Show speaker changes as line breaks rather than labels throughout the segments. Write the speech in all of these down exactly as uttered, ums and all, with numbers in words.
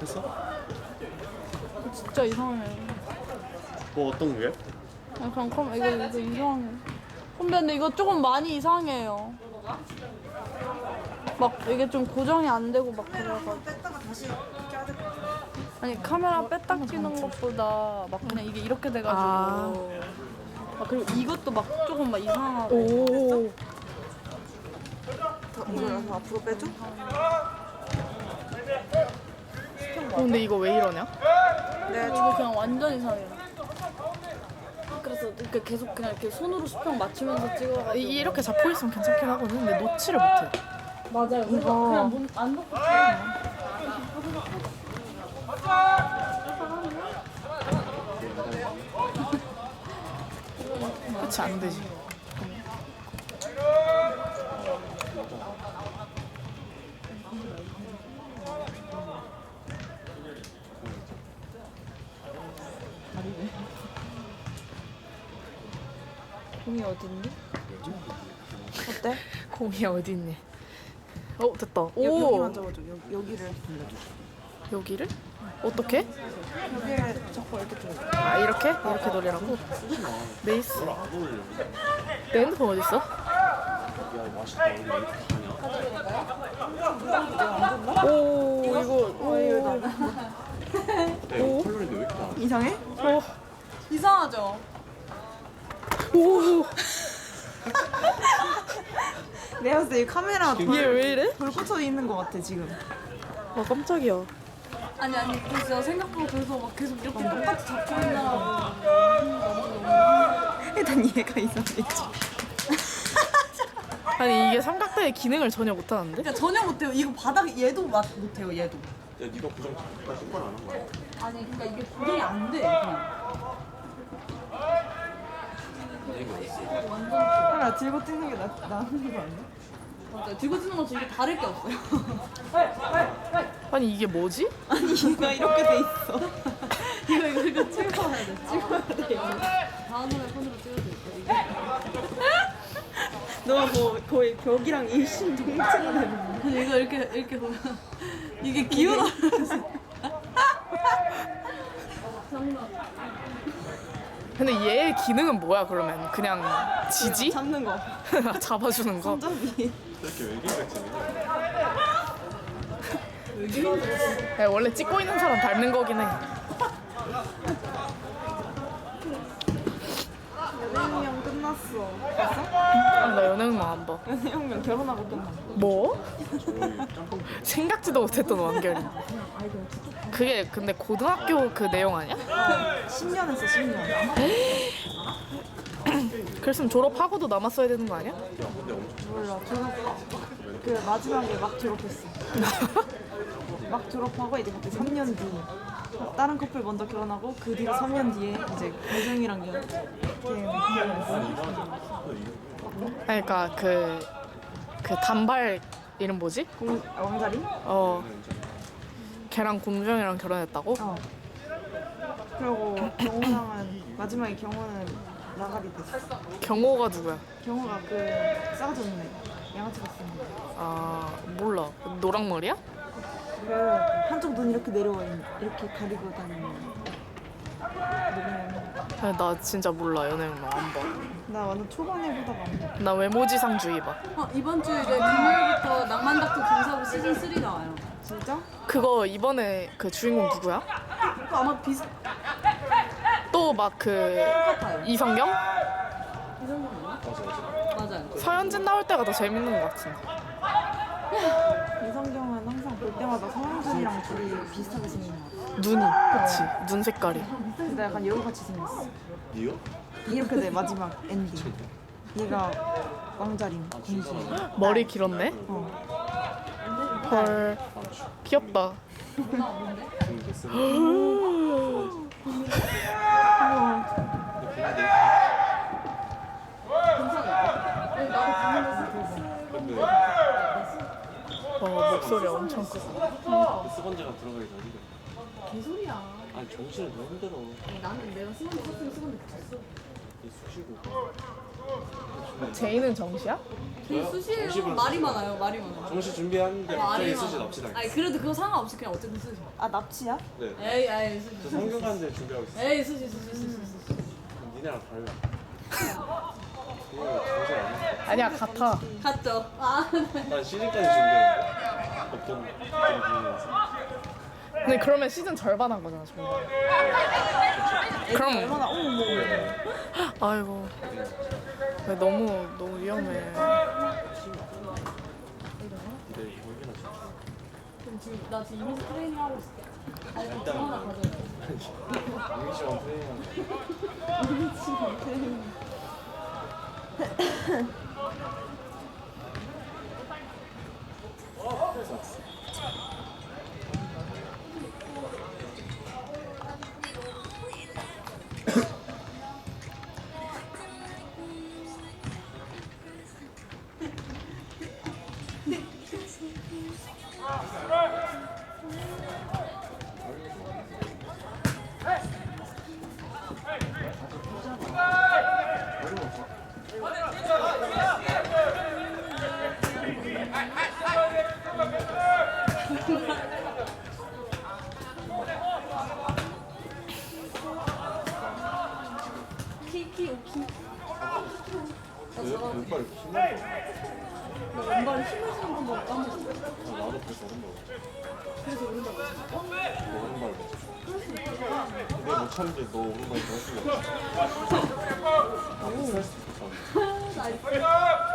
했어?
진짜 이상해.
뭐 어떤 게?
아, 그냥 그럼 이거 이거 이상해. 선배 근데 이거 조금 많이 이상해요. 막 이게 좀 고정이 안 되고 막 그래가지고.
뺐다가 다시 껴야 될 것 같아.
아니 카메라 뺐다 끼는 것보다 막 그냥 이게 이렇게 돼가지고.
아.
아, 그리고 이것도 막 조금 막 이상하고.
오.
더 이걸 더 앞으로 빼줘?
어, 근데 이거 왜 이러냐?
네,
이거 그냥 완전 이상해. 그래서 이렇게 계속 그냥 이렇게 손으로 수평 맞추면서 찍어가지고.
이- 이렇게 잡고 있으면 괜찮긴 하거든. 근데 놓지를 못해.
맞아요. 그래서
이거-
그냥 문, 안 놓고 찍어.
그치, 안 되지.
공이 어딨니? 어때?
공이 어디 있니? 어, 됐다.
여, 여기
오!
만져봐줘. 여, 여기를 돌려줘.
여기를? 어떻게?
여기를 자꾸 이렇게 돌려.
아, 이렇게? 이렇게 돌리라고? 네이스. 내 핸드폰 어딨어?
야 맛있다. 우리 왜 이렇게 가냐?
오, 이거.
어, 이거 나.
야 이거 컬러인데 왜 이렇게 나?
이상해?
오.
이상하죠?
오.
내가 봤을 때 이 카메라
얘 왜 이래?
불 꽂혀 있는 것 같아 지금.
아, 깜짝이야.
아니 아니 그 진짜 생각보다 그래서 막 계속 이렇게 똑같이 잡고 있나.
일단 얘가 이상해.
아니, 이게 삼각대의 기능을 전혀 못하는데?
그러니까 전혀 못해요. 이거 바닥 얘도 맛 못해요. 얘도.
야 네가 고정 까지 신발 안한 거야?
아니 그러니까 이게 고정이 안 돼. 그냥.
카메라 들고 찍는 게 나, 나은 거 아니야?
맞아요. 들고 찍는 것도 이게 다를 게 없어요.
아니, 이게 뭐지?
아니 얘가 이렇게 돼 있어.
이거 이거 이거 찍어야 돼. 찍어야 돼. 이거. 다음에 손으로 찍어도 돼. 이게.
너 뭐 거의 벽이랑 일심동체네.
아니 이거 이렇게 이렇게 보면 이게 기울어.
근데 얘의 기능은 뭐야, 그러면? 그냥 지지?
잡는 거.
잡아주는 거?
손잡이.
이렇게 외계인같이
야, 원래 찍고 있는 사람 닮는 거긴 해.
연애혁명 끝났어. 봤어?
아니, 나 연예인만 안 봐.
연애혁명 결혼하고 끝났어.
뭐? 생각지도 못했던 완결이. 그게 근데 고등학교 그 내용 아니야?
십 년 했어 십 년.
그랬으면 졸업하고도 남았어야 되는 거 아니야?
몰라 졸업 그 마지막에 막 졸업했어. 막 졸업하고 이제 그때 삼 년 뒤 다른 커플 먼저 결혼하고 그 뒤로 삼 년 뒤에 이제 배정이랑 연
그러니까 그, 그 단발 이름 뭐지?
공 아, 왕자리?
어, 걔랑 공주형이랑 결혼했다고?
어. 그리고 경호랑은 마지막에 경호는 나가리 됐어.
경호가 누구야?
경호가 그 싸가지 없는 애 양아치 같은 애.
아, 몰라. 노랑머리야?
그 한쪽 눈 이렇게 내려와 있는 이렇게 가리고 다니는 누구냐면
아니, 나 진짜 몰라. 연예인만 안 봐.
나 완전 초반에 보다가 안 봐.
나 외모지상주의 봐.
어, 이번 주 이제 금요일부터 낭만닥터 김사부 시즌 쓰리 나와요.
진짜?
그거 이번에 그 주인공 누구야?
그거 아마 비슷
또 막 그
똑같아요.
이성경?
맞아요.
서현진 나올 때가 더 재밌는 것 같은데.
이성경은 항상 볼 때마다 서현진이랑 둘이 비슷하게 생긴 것 같아.
눈이, 그치? 눈 색깔이.
근데 약간 여우같이 생겼어.
니가?
이렇게 돼 마지막 엔딩. 얘가 왕자림 공주.
머리 길었네?
어.
헐. 귀엽다.
좀 됐으면 근데
와, 목소리 엄청 크다.
스펀지가 들어가기 전이래.
개소리야.
아니 정신을 너무 힘들어.
나는 내가 쓰건데 썼으면 쓰건데 붙였어.
이 수시고.
제이는 정시야?
저요?
수시예요.
정식으로
말이
수시고.
많아요. 말이 많아요.
정시 준비하는데
말이
갑자기
많아.
수시 납치당.
아니 그래도 그거 상관없이 그냥 어쨌든 수시.
아 납치야?
네.
에이 에이 수시.
저 성균관대 준비하고 있어요.
에이 수시 수시 수시 수시.
그럼 니네랑 달라. 그거 정신 안 했어.
아니야 같아.
갔죠. 아
난 시즌까지 준비했는데 어떤 경기에서.
근데 그러면 시즌 절반 한 거잖아 정말. 그럼
얼마나 어머 뭐
아이고 왜 너무 너무 위험해.
근데 이거기나 진짜.
그럼 지금 나 지금 이미지 트레이닝 하고 있을게. 아니 좀
일단
하나 가져.
이미지만 트레이닝하는
키키 오키.
왜? 왼발 이렇게 힘나는 거
나 왼발에 힘을 주는 건 먹고 한 번씩.
나도 그래서 오른발
그래서 오른발 맞아.
너 오른발 내가 못 참는 게너 오른발 더 수가 없어 나도 살 수도 있어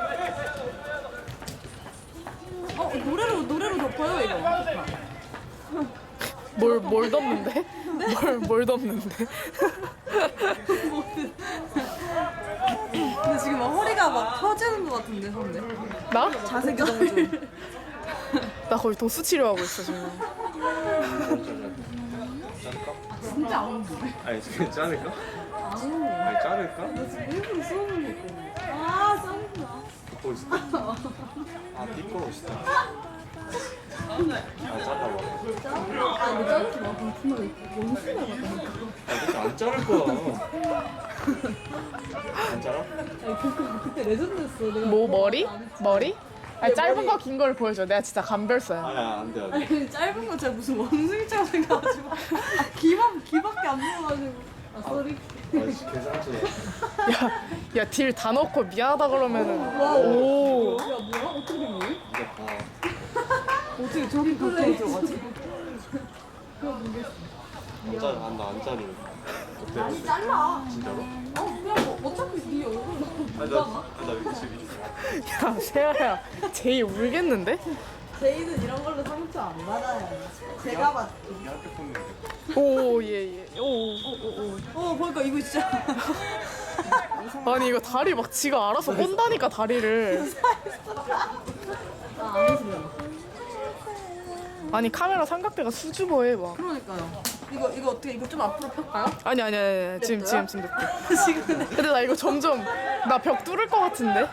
어 노래로 노래로 덮어요 이거.
뭘 뭘 덮는데? 뭘 뭘 덮는데?
근데 지금 막 허리가 막 펴지는 것 같은데 선배.
나?
자세 교정 중.
나 거의 도수 치료하고 있어 지금.
자를까?
진짜 안 오는데.
아니 그냥 자를까?
안 오네.
아니 자를까?
나 지금 일부러 수업을 먹고. 아 짱이구나.
듣고 있어 아 띠꺼우시다 아 잘라봐
아 근데 자르지 마. 그럼 분명히 원숭이 같다니까.
아 그때 안 자를 거야 안 자라?
아니 그거 그때 레전드였어. 내가
뭐
그거
머리?
안 했지.
머리? 아니 짧은
머리.
거 긴 걸 보여줘. 내가 진짜 감별사야.
아야 안돼 안돼
아니 근데 짧은 거 제가 무슨 원숭이처럼 생겨가지고 귀만 귀밖에 안 보여가지고. 아 쏘리.
아씨 계산치다
야 딜 다 넣고 미안하다 그러면은 오.
야 뭐야? 어떻게 된 거야?
이제 봐
어떻게 저렇게 가까이 들어가지?
안 자르 안나 안 자르 어때?
아니 잘라.
진짜로?
어 그냥 뭐 어차피 네 얼굴 너무
아니
못하나?
나나 위치 위치
야 세아야 제이 울겠는데?
제이는 이런 걸로 상처 안 받아요. 제가 받.
이게 학교 폰인데
오 예 예. 오.
어 보니까 이거 진짜.
아니 이거 다리 막 지가 알아서 꼰다니까 다리를.
아안 해주면.
아니 카메라 삼각대가 수줍어해 막.
그러니까요. 이거 이거 어떻게 이거 좀 앞으로 펼까요?
아니 아니 아니, 아니. 지금 지금 지금 늦게.
지금
근데 나 이거 점점 나 벽 뚫을 것 같은데?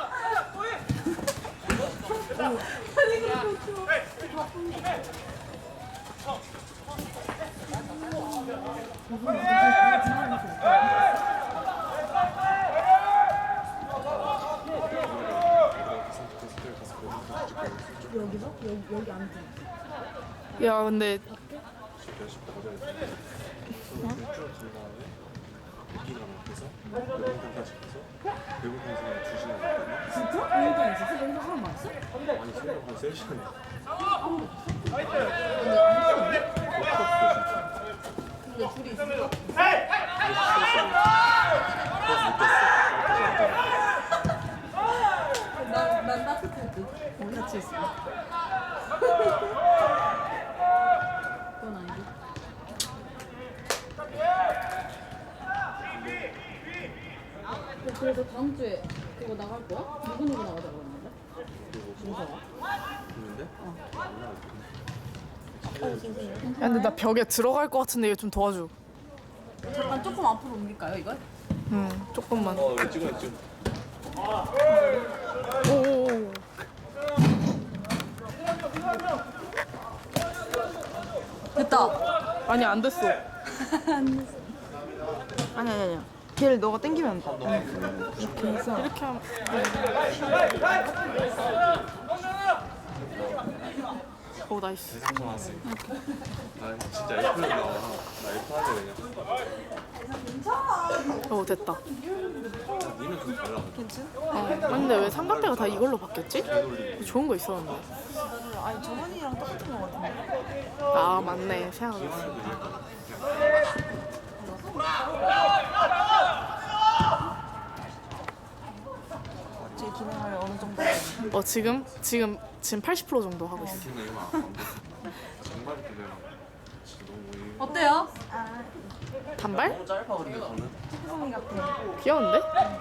여기서 여기 여기 앉아.
야 근데
몇십 가져야 돼 일주일 간 다음에 이기가 먹혀서 배고픈까지 가서 배고픈 시간에 두 시간 있거든요
진짜? 운동 있었어? 운동 하나 맞았어?
아니 새벽 한 세 시간에
근데 둘이 있었어? 난난 따뜻할 듯. 같이 있어. 그건 아니지. 그래서 다음 주에 그거 나갈 거야? 누구 누구 나가자고 했는데? 준서가?
있는데?
야 근데 나 벽에 들어갈 것 같은데 이거 좀 도와줘.
잠깐 조금 앞으로 옮길까요 이걸?
응 조금만.
어 이거 찍어 찍어
오오오.
됐다.
아니 안 됐어.
아니 아니 아니. 걔를 너가 땡기면 돼.
이렇게 해서 이렇게 하면 오 나이스.
대상전 왔으니까. 나 진짜 F를 나와. 나 F 할래 그냥.
오 됐다.
야, 니는 좀 달라.
괜찮?
어, 근데 왜 삼각대가 다 이걸로 바뀌었지?
되돌리고.
좋은 거 있었는데.
아니 저번이랑 똑같은 거 같은데.
아 맞네 생각났어.
기왕해도 이럴까?
제 기능을 어느 정도.
어 지금 지금 지금 팔십 퍼센트 정도 하고 있어.
근데 이거 안 돼. 정말 그래요. 진짜 너무 이-
어때요?
단발?
너무 짧아 근데 저는.
소송이 같아.
귀여운데?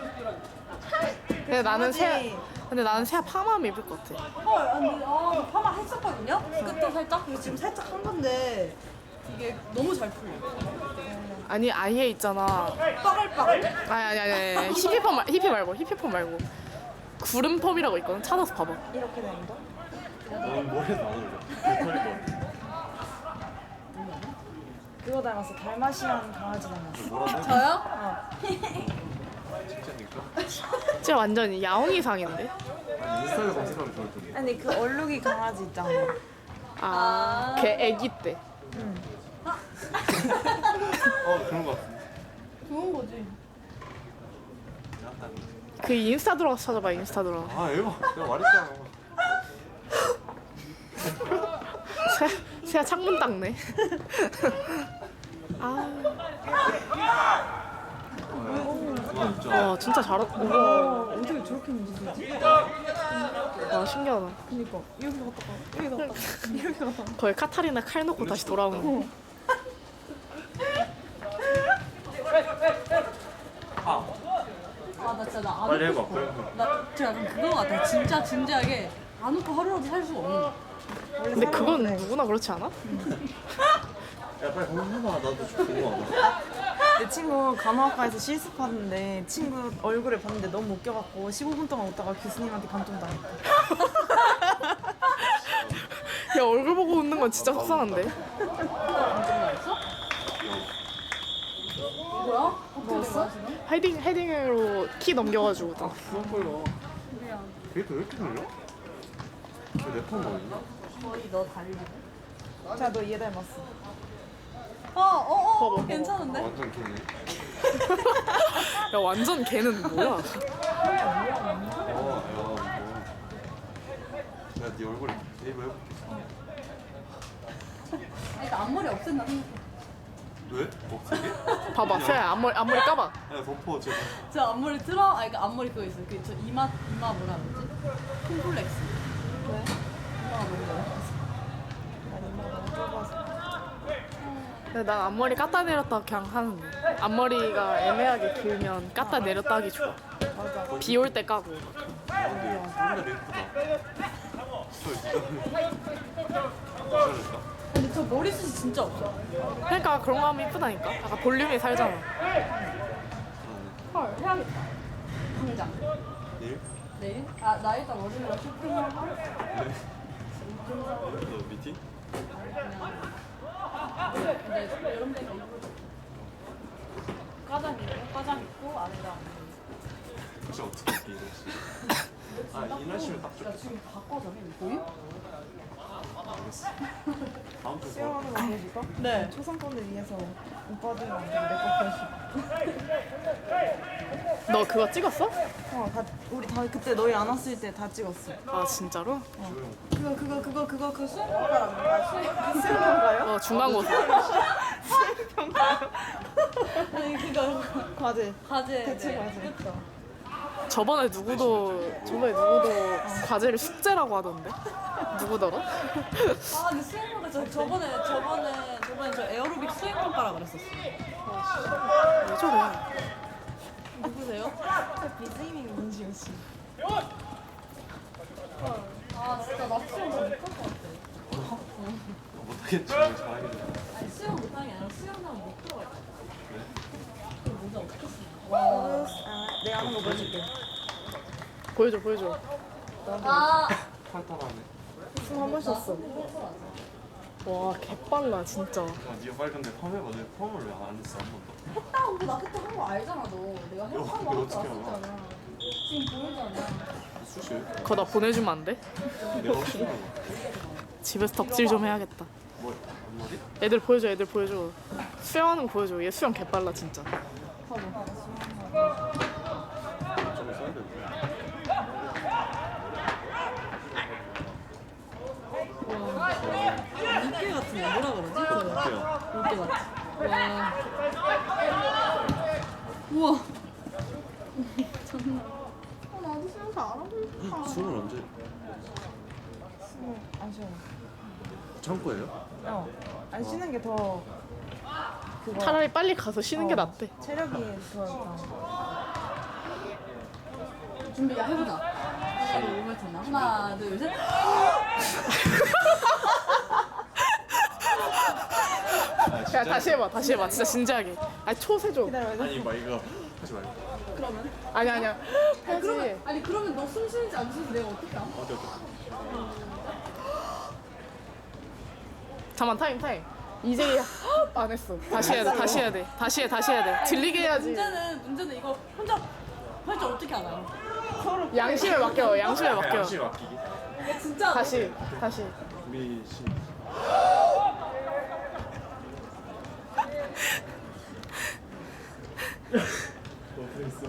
근데 나는 새
강아지.
근데 나는 새야 파마하면 예쁠 것 같아.
헐, 아니, 아, 저 파마 했었거든요? 끝에 살짝?
그리고 지금 살짝 한 건데
이게 너무 잘 풀려.
아니 아예 있잖아.
빠글빠글?
아니 아니 아니, 아니. 히피펌 말 히피 말고 히피펌 말고 구름펌이라고 있거든. 찾아서 봐봐.
이렇게 되는 거?
너는 머리에서 안 어울려. 털릴 것 같아.
그거 닮았어. 달마시안 강아지 닮았어.
뭐라고?
저요?
진짜니까?
진짜 완전 야옹이상인데.
아니 인스타에 검색하면 좋을 텐데.
아니 그 얼룩이 강아지 있잖아.
아, 걔 애기 때.
어 그런 거 같은데.
좋은 거지.
약간.
그 인스타 들어가서 찾아봐. 인스타 들어가.
아 에바 내가 말했잖아.
새 새야 창문 닦네. 아,
와 진짜.
와 진짜 잘했다. 우와,
어, 어떻게 저렇게 문지르지?
와 신기하다.
그니까 여기 갔다가 여기 갔다가 여기 갔다가.
거의 카타리나 칼 놓고 다시 돌아오는 거.
아
아, 나 진짜 나안
빨리
웃고
해봐. 빨리 해봐.
나 진짜 약간 그거 같아. 진짜 진지하게 안 웃고 하루라도 살 수가 없는 거야.
근데 그건 누구나 그렇지 않아?
야 빨리 한번 해봐. 나도 좀 궁금하다.
내 친구 간호학과에서 실습하는데 친구 얼굴을 봤는데 너무 웃겨갖고 십오 분 동안 웃다가 교수님한테 감점 당했다.
야 얼굴 보고 웃는 건 진짜 속상한데.
뭐야? 뭐였어?
헤딩 헤딩으로 키 넘겨가지고. 딱.
그만 걸려. 데이터 왜 이렇게 걸려? 왜내폰 걸리나?
거의 너 달리.
자, 너 얘 닮았어.
어, 어, 어,
봐봐, 봐봐.
괜찮은데?
완전 개네.
야 완전 걔는 뭐야?
어, 야, 뭐. 내가 네 얼굴에 네이버 해볼게.
그러니까 앞머리 없앤다 생각해.
왜? 없애게?
봐봐 새야 앞머리 앞머리 까봐.
야, 덮어, 제발.
저 앞머리 틀어? 아, 그러니까 앞머리 그거 있어. 그 저 이마 이마 뭐라 그러지? 콤플렉스.
왜?
이마가 너무 넓어.
난 이마가 너무 좁아서.
근데 난 앞머리 깎다 내렸다 그냥 하는데. 앞머리가 애매하게 길면 깎다 내렸다 하기 좋아.
맞아.
비 올 때 까고.
아, 근데 존나 예쁘다. 저 이거.
근데 저 머리숱이 진짜 없어.
그러니까 그런 거 하면 이쁘다니까. 약간 볼륨이 살잖아.
헐, 해야겠다. 당장.
내일?
내일? 아, 나 일단 월요일날 쇼핑하고.
네. 너 미팅?
근데 여름 되면 입을 과장 입고, 과장 입고, 안에다.
진짜 어떻게 할게, 이거 혹시? 아, 이 날씨면 딱
야,
좋겠다.
지금 바꿔서 해. 보임?
알겠어. 다음 주 뭐?
수영하는 거 보여줄까?
네.
초상권을 위해서 오빠들이랑 내거 보여줄까?
너 그거 찍었어?
어, 다, 우리 다 그때 너희 안 왔을 때 다 찍었어.
아 진짜로?
그거 그거 그거 그거 그 수영평가라는 거야? 수영 수영평가요?
어 중간고사.
아니, 그거
과제.
과제.
대체
네.
과제.
그쵸.
저번에 누구도 저번에 누구도 과제를 숙제라고 하던데. 누구더라?
아, 근데 수행평가 저, 저번에, 저번에, 저번에 저 에어로빅 수행평가라 그랬었어.
왜 저래?
누구세요?
비즈이밍 민지우 씨.
아, 진짜 나 수영 못할 것 같아.
못하겠지, 잘하겠네.
아니, 수영 못하는 게 아니라 수영장 못 들어갈 것 같아. 그 모자 어떻게 쓰냐.
아, 내가 하는 거 보여줄게.
보여줘 보여줘.
아,
팔 따라하네.
숨 한 번 쉬었어.
와 개빨라 진짜.
아, 네가 빨리 근데 펌 해봐. 내 펌을 왜 안 했어 한 번도?
했다고 나 그때 한 거 알잖아 너. 내가
이거
했다고
이거
하고
어떻게 알아?
왔었잖아. 지금 보이잖아.
수시
그거 나 보내주면 안 돼?
내가 혹시 뭐
집에서 덕질 좀 해야겠다.
뭐 앞머리?
애들 보여줘 애들 보여줘. 수영하는 거 보여줘. 얘 수영 개빨라 진짜.
좀 써야 돼.
물개 같은 거 뭐라 그러지? 그거.
어때요?
물개 같아. 와. 우와. 장난. 아 나도 수영 잘하고 싶다.
술은 언제?
안 쉬어.
창고예요?
어. 안 쉬는 게 더 그거
차라리 빨리 가서 쉬는 게
어,
낫대.
체력이 더 일단.
준비 야 해보자. 빨리 오면 되나? 하나 둘 셋.
야 다시 해봐 다시 해봐 진짜 진지하게. 아니 초세 줘.
기다려.
아니 막 이거 하지 말고.
그러면?
아니 아니야. 해야지.
그러면 아니 그러면 너 숨 쉬는지 안 쉬는지 내가 어떻게 알아?
어때 어때?
잠만 타임 타임. 이제 안 했어. 다시 해야 돼 다시 해야 돼 다시 해 다시 해야 돼. 들리게 해야지.
문제는 문제는 이거 혼자 할 줄 어떻게 알아요?
양심에 맡겨 양심에 맡겨.
양심 맡기기.
이게 진짜
다시 다시.
우리 신. 너 그랬어.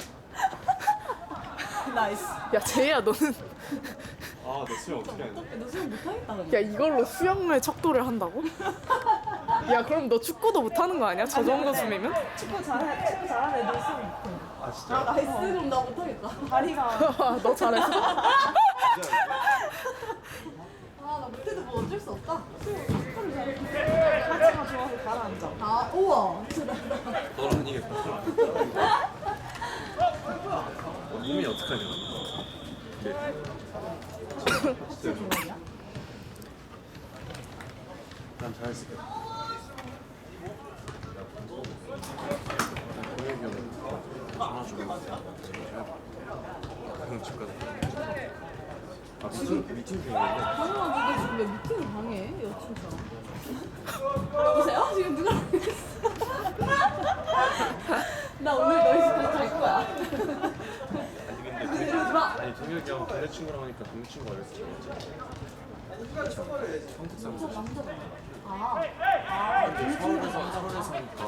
나이스.
야 제이야 너는
아, 너 수영 어떻게 하냐?
너 수영 못하겠다 그냥.
야 이걸로 수영무에 척도를 한다고? 야 그럼 너 축구도 못하는 거 아니야? 저 정도 숨이면?
축구 잘해. 축구 잘하는 애들 수영 못해.
아, 진짜?
나이스 그럼 나 못하겠다.
다리가
너 잘했어.
아 나 못해도 뭐 어쩔 수 없다.
하체가 좋아서 가라앉아.
아 우와 진짜 나.
너는 이게 몸이 어떻게 하냐? 네.
하체 좋아이야?
난 잘했을게. 공혁이 형 전화 주고 그냥 집 가자. 아 무슨 미팅 중인데?
당연하지 너 지금 왜 미팅을 방해해 여친처럼. 보세요 지금 누가 나 오늘 너희 집에서 잘 거야.
아니 근데
이러지 마.
아니 동혁이 형 동네 친구랑 하니까 동네 친구가 그랬어. 한국 사람.
남자다. 아,
근데 서울에서 서울에 사니까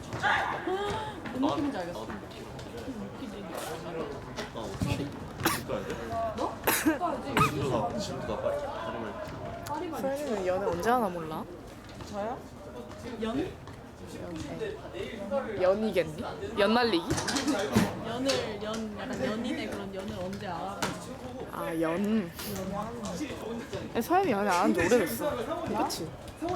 뭔 느낌인지 알겠어.
나도 못 키워. 아 어떻게? 집 가야 돼?
너? 가야지.
집도 나 집도 나 빨리 가려면
파리만.
소연이는 연애 언제 하나 몰라?
저요?
연?
연이겠니? 연날리기?
연을 연 약간 연인의 그런 연을 언제 알아?
아 연. 서연이 연애 안 한 지 오래됐어. 그치?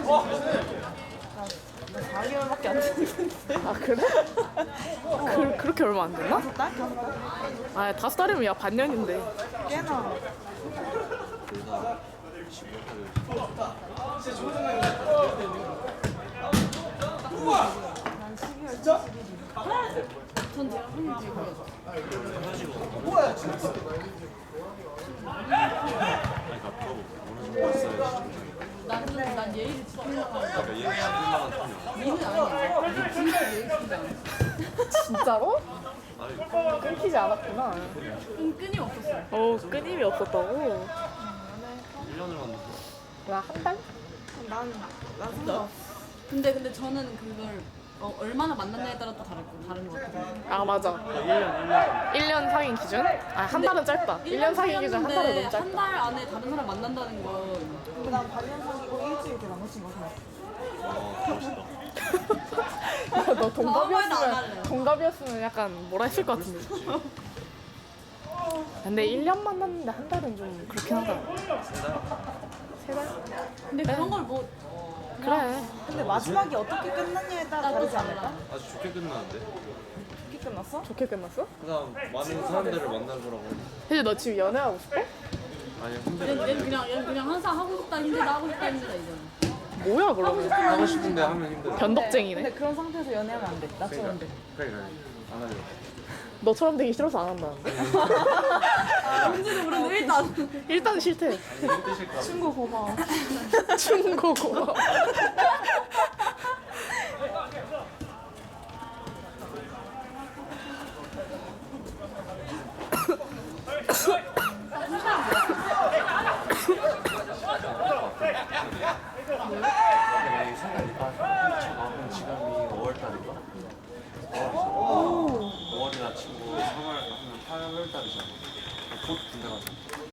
나 사 개월밖에 안 됐는데.
아 그래? 그, 그렇게 얼마 안 됐나?
다섯 달? 다섯 달?
아 다섯 달이면 야 반년인데.
꽤나.
둘다
난 십이월 칠십일이.
전 제가 한번 들고요.
아니 가까워 어느 정도 있어야지.
나는 난 예의를 지키려고 하는
그러니까 얘 십일만 원 타면
니는 아니야. 진짜 예의 지키지 않아.
진짜로?
아니
끊기지 않았구나.
응, 끈이 없었어.
어 끊임이 없었다고?
일 년을 왔는데
나 한 달?
난, 난 상관없어.
근데 근데 저는 그걸 어, 얼마나 만났냐에 따라 또 다른 다른 것 같아요.
아 맞아.
일 년 일 년
일 년 사귄 기준? 아 한 달은 짧다. 일 년 사귄 기준 한 달은 너무 짧다.
한달 안에 다른 사람 만난다는 건
근데 난 반년 사귀고 일주일 때 남자친구가 생겼어.
아 멋있다.
너
아무 말도 안
동갑이었으면
할래.
동갑이었으면 약간 뭐라 했을 것 같은데. 근데 일 년 만났는데 한 달은 좀 그렇긴 하다. 세 달?
근데 그런 걸 뭐
그래.
근데 마지막이 어떻게 끝났냐에 따라
나도
다르지 않을까?
달라.
아주 좋게 끝나는데
어떻게 끝났어?
좋게 끝났어?
그다음 많은 사람들을 만나보라고
혜지 너 지금 연애하고 싶어?
아니
얘,
힘들어
얘 그냥 얘 그냥 항상 하고 싶다 힘들다 하고 싶다 힘들다 이거는.
뭐야 그러면?
하고 싶은데 하면 힘들어
근데
변덕쟁이네.
그런 상태에서 연애하면 안 돼. 나처럼 돼.
그래 그래 안 하려
너처럼 되기 싫어서 안 한다는데.
뭔지도 모르는데 일단
일단 싫대.
힘드실까?
친구 고마워.
충고 고마워.
내 생각이니까 저는 지금이 오월 달인가? 오월이나 친구 삼월, 팔월 달이잖아. 곧 군대 가서.